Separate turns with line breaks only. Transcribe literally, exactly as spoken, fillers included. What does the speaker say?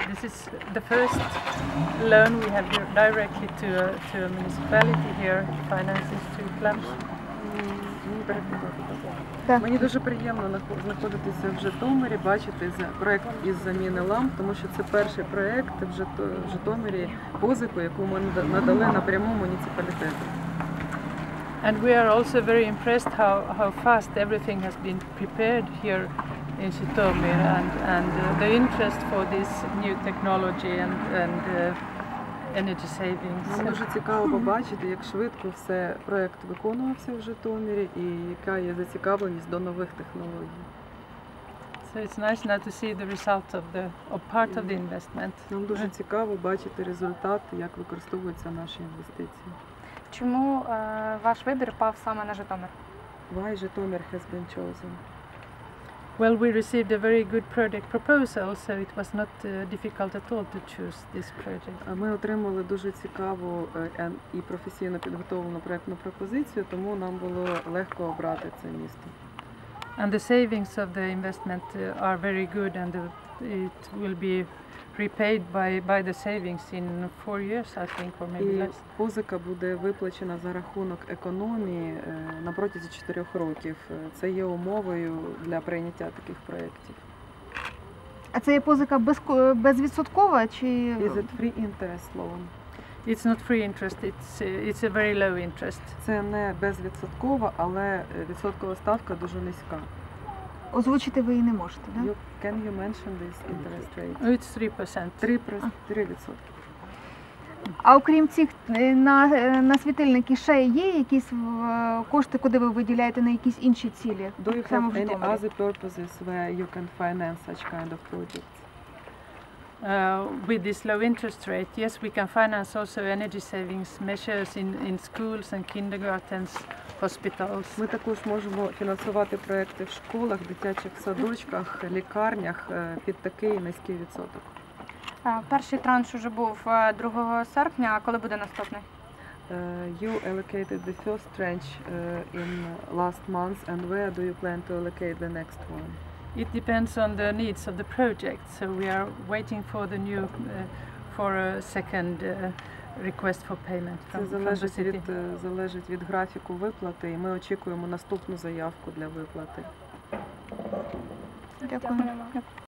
this is the first loan we have directly to a, to a municipality here, finances to clubs.
Так.
Мені дуже приємно знаходитися в Житомирі, бачити проєкт із заміни ламп, тому що це перший проєкт в Житомирі, позику, яку ми надали напряму муніципалітету.
And we are also very impressed how, how fast everything has been prepared here in Житомир, and, and uh, the interest for this new technology and, and uh, energy savings.
Нам дуже цікаво побачити, як швидко все проєкт виконувався в Житомирі і яка є зацікавленість до нових технологій.
So it's nice now to see the result of the of part of the investment.
Нам дуже цікаво бачити результат, як використовуються наші інвестиції.
Чому е, ваш вибір пав саме на Житомир?
Why Житомир has been chosen?
Well, we received a very good project proposal, so it was not uh, difficult at all to choose this project.
Ми отримали дуже цікаву і професійно підготовлену проєктну пропозицію, тому нам було легко обрати це місто.
And the savings of the investment uh, are very good, and the, it will be repaid by by the savings in four years, I think, or maybe
І
less.
позика буде виплачена за рахунок економії на протязі чотирьох років. Це є умовою для прийняття таких проєктів.
А це є позика без, безвідсоткова чи?
Is it free interest loan?
It's not free interest, it's uh, it's a very low interest.
Це не безвідсоткова, але відсоткова ставка дуже низька.
Озвучити ви її не можете, так?
You, can you mention this interest rate?
Oh, it's three percent.
три відсотки.
А окрім цих на, на світильники ще є якісь кошти, куди ви виділяєте на якісь інші цілі?
Do you
Саме
have
в
any
Житомирі?
other purposes where you can finance such kind of projects?
Uh, with this low interest rate, yes, we can finance also energy savings measures in, in schools and kindergartens, hospitals.
Ми також можемо фінансувати проекти в школах, дитячих садочках, лікарнях під такий низький відсоток.
Перший транш уже був другого серпня, а коли буде наступний?
Uh, you allocated the first tranche uh, in last month, and where do you plan to allocate the next one?
It depends on the needs of the project, so we are waiting for the new, uh, for a second uh, request for payment from,
Це
from the
залежить
city.
від, залежить від графіку виплати, і ми очікуємо наступну заявку для виплати.
Дякую.